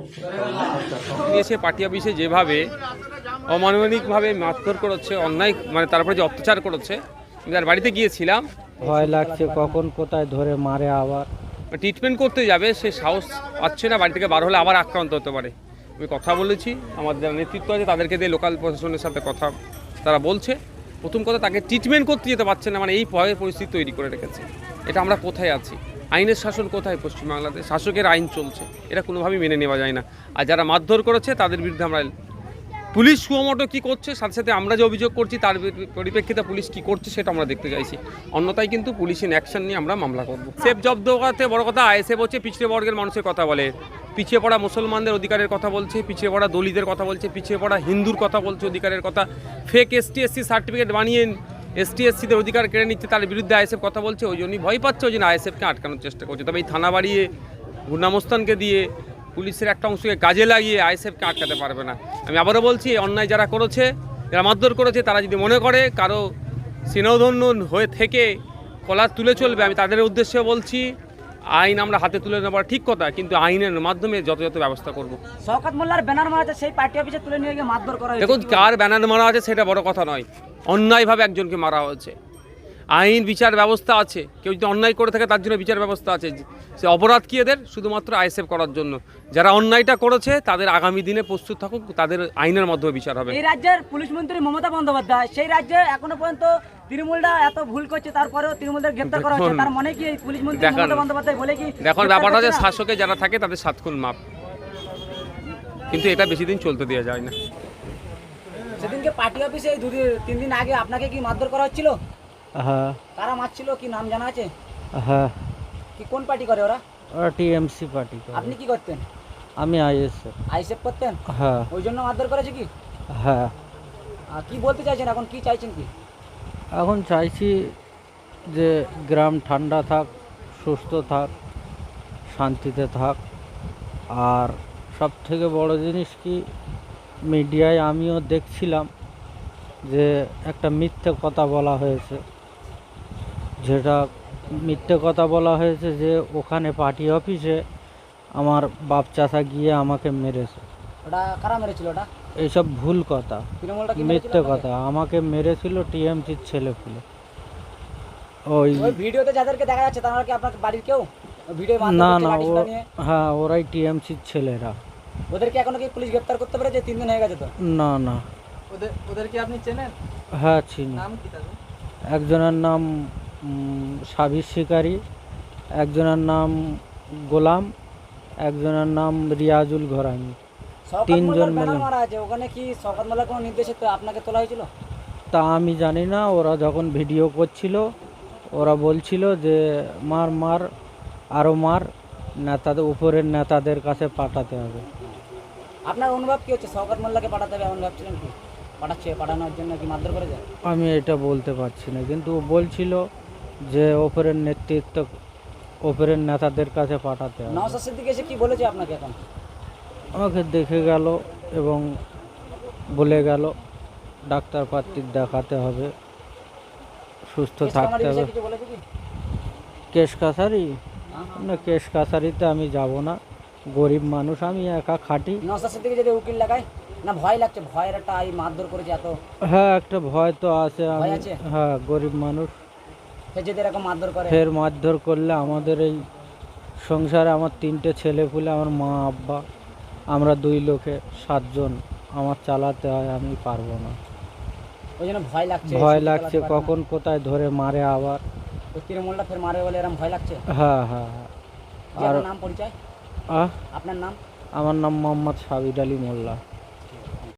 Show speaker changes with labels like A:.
A: এসে পার্টি অফিসে যেভাবে অমানবিকভাবে মারধর করেছে, অন্যায় মানে তারপরে যে অত্যাচার করেছে, যার বাড়িতে গিয়েছিলাম,
B: ভয় লাগছে কখন কোথায় ধরে মারে আবার।
A: ট্রিটমেন্ট করতে যাবে সে সাহস পাচ্ছে না, বাড়ি থেকে বার হলে আবার আক্রান্ত হতে পারে। আমি কথা বলেছি, আমার যারা নেতৃত্ব আছে তাদেরকে দিয়ে লোকাল প্রশাসনের সাথে কথা তারা বলছে। প্রথম কথা, তাকে ট্রিটমেন্ট করতে যেতে পারছে না, মানে এই ভয়ের পরিস্থিতি তৈরি করে রেখেছে। এটা আমরা কোথায় আছি? আইনের শাসন কোথায় পশ্চিমবাংলাতে? শাসকের আইন চলছে, এটা কোনোভাবেই মেনে নেওয়া যায় না। আর যারা মারধর করেছে তাদের বিরুদ্ধে আমরা, পুলিশ সুমোটো কী করছে, সাথে সাথে আমরা যে অভিযোগ করছি তার পরিপ্রেক্ষিতে পুলিশ কী করছে সেটা আমরা দেখতে চাইছি। অন্যথায় কিন্তু পুলিশ ইন অ্যাকশন নিয়ে আমরা মামলা করব। সেফ জব্দ করাতে বড় কথা, আইএসএফ হচ্ছে পিছিয়ে বর্গের মানুষের কথা বলে, পিছিয়ে পড়া মুসলমানদের অধিকারের কথা বলছে, পিছিয়ে পড়া দলিতদের কথা বলছে, পিছিয়ে পড়া হিন্দুর কথা বলছে, অধিকারের কথা। ফেক এসটি/এসসি সার্টিফিকেট বানিয়ে এসটি/এসসিদের অধিকার কেড়ে নিচ্ছে, তার বিরুদ্ধে আইএসএফ কথা বলছে। ওই জন্যই ভয় পাচ্ছে, ওই জন্য আইএসএফকে আটকানোর চেষ্টা করছে। তবে এই থানা বাড়িয়ে গুন্ডামস্তানকে দিয়ে পুলিশের একটা অংশকে কাজে লাগিয়ে আইএসএফকে আটকাতে পারবে না। আমি আবারও বলছি, অন্যায় যারা করেছে, যারা মারধর করেছে, তারা যদি মনে করে কারো স্নেহধন্য হয়ে থেকে কলার তুলে চলবে, আমি তাদের উদ্দেশ্যে বলছি, আইন আমরা হাতে তুলে নেবার ঠিক কথা, কিন্তু আইনের মাধ্যমে যথাযথ ব্যবস্থা করব।
C: শওকত মোল্লার ব্যানার মারা আছে, সেই পার্টি অফিসে তুলে নিয়ে গিয়ে মারধর করা হয়েছে।
A: দেখুন, কার ব্যানার মারা আছে সেটা বড় কথা নয়, অন্যায়ভাবে একজনকে মারা হয়েছে। আইন বিচার ব্যবস্থা আছে, কেউ যদি অন্যায় করে থাকে তার জন্য বিচার ব্যবস্থা আছে। সে অপরাধ কি এদের? শুধুমাত্র আইএসএফ করার জন্য। যারা অন্যায়টা করেছে তাদের আগামী দিনে প্রস্তুত থাকুক, তাদের আইনের মাধ্যমে বিচার হবে।
C: এই রাজ্যের পুলিশ মন্ত্রী মমতা বন্দ্যোপাধ্যায়, সেই রাজ্যে এখনো পর্যন্ত তৃণমূলরা এত ভুল করছে, তারপরেও তৃণমূলদের গ্রেপ্তার করা হচ্ছে। তার মানে কি এই পুলিশ মন্ত্রী মমতা বন্দ্যোপাধ্যায় বলে কি?
A: দেখুন, ব্যাপারটা হচ্ছে শাসকে যারা থাকে তাদের 7 খুন মাপ, কিন্তু এটা বেশি দিন চলতে দেওয়া যায় না।
C: সেদিনকে পার্টি অফিসে 2-3 দিন আগে আপনাকে কি মারধর করা হচ্ছিল?
B: হ্যাঁ।
C: কারা মারছিল, কি নাম জানা আছে?
B: হ্যাঁ।
C: কি কোন পার্টি করে ওরা?
B: ওরা টিএমসি পার্টি করে।
C: আপনি কি করতেন?
B: আমি আইএসএফ।
C: আইএসএফ করতেন?
B: হ্যাঁ।
C: ওই জন্য মারধর করেছে কি?
B: হ্যাঁ।
C: কি বলতে চাইছেন এখন, কি চাইছেন কি?
B: এখন চাইছি যে গ্রাম ঠান্ডা থাক, সুস্থ থাক, শান্তিতে থাক। আর সব থেকে বড় জিনিস কি, মিডিয়ায় আমিও দেখছিলাম যে একটা মিথ্যে কথা বলা হয়েছে, যেটা মিথ্যে কথা বলা হয়েছে যে ওখানে পার্টি অফিসে আমার বাপ চাচা গিয়ে আমাকে মেরেছে।
C: ওটা কারা মেরেছিল? ওটা
B: এইসব ভুল কথা,
C: তৃণমূলটা কি
B: মিথ্যে কথা। আমাকে মেরেছিল টিএমসির ছেলেপুলে। ওই
C: ভিডিওতে যাদেরকে দেখা যাচ্ছে তারা কি আপনার বাড়ির কেউ? ভিডিও
B: না না, হ্যাঁ, ওরাই টিএমসির ছেলেরা।
C: ওদেরকে এখনো কি পুলিশ গ্রেফতার করতে পেরেছে? 3 দিন হয়ে গেছে তো।
B: না না।
C: ওদেরকে আপনি চেনেন?
B: হ্যাঁ, চিনি।
C: নাম কি তাদের?
B: একজনের নাম সাবির শিকারি, একজনের নাম গোলাম, একজনের নাম রিয়াজুল ঘরামি। 3 জন মিলে
C: মারা আছে। ওখানে কি শওকত মোল্লার কোনো নির্দেশে তো আপনাকে তোলা হয়েছিল?
B: তা আমি জানি না। ওরা যখন ভিডিও করছিল ওরা বলছিল যে মার মার, আরও মার, নেতাদের উপরের নেতাদের কাছে পাঠাতে হবে।
C: আপনার অনুভব কি হচ্ছে? শওকত মোল্লাকে পাঠাতে হবে এমন ভাবছিলেন কি? পাঠানোর জন্য কি মারধর করেছে?
B: আমি এটা বলতে পারছি না, কিন্তু ও বলছিল যে ওপরের নেতৃত্ব, ওপরের নেতাদের কাছে পাঠাতে হবে।
C: নওশাদ সিদ্দিকী এসে কি বলেছে আপনাকে? এখন
B: আমাকে দেখে গেল এবং বলে গেল ডাক্তার পাত্রীর দেখাতে হবে, সুস্থ থাকতে হবে। কেশ কাছারি না, কেশ কাছারিতে আমি যাব না, গরিব মানুষ, আমি একা খাটি।
C: নওশাদ সিদ্দিকী যদি উকিল লাগায় না, ভয় লাগছে? ভয়ের একটা এই মারধর করেছে এত।
B: হ্যাঁ, একটা ভয় তো আছে। আমি হ্যাঁ, গরিব মানুষ,
C: যদি এরকম মারধর করে,
B: ফের মারধর করলে আমাদের এই সংসারে, আমার 3টে ছেলেপুলে, আমার মা আব্বা, আমরা 2 লোকে 7 জন, আমার চালাতে হয়, আমি পারবো না।
C: ওই জন্য ভয় লাগছে।
B: ভয় লাগছে কখন কোথায় ধরে মারে আবার।
C: ওই তৃণমূলটা ফের মারে বলে এরকম ভয় লাগছে।
B: হ্যাঁ হ্যাঁ হ্যাঁ।
C: আর নাম পরিচয়? আপনার নাম?
B: আমার নাম মোহাম্মদ সাবির আলী মোল্লা।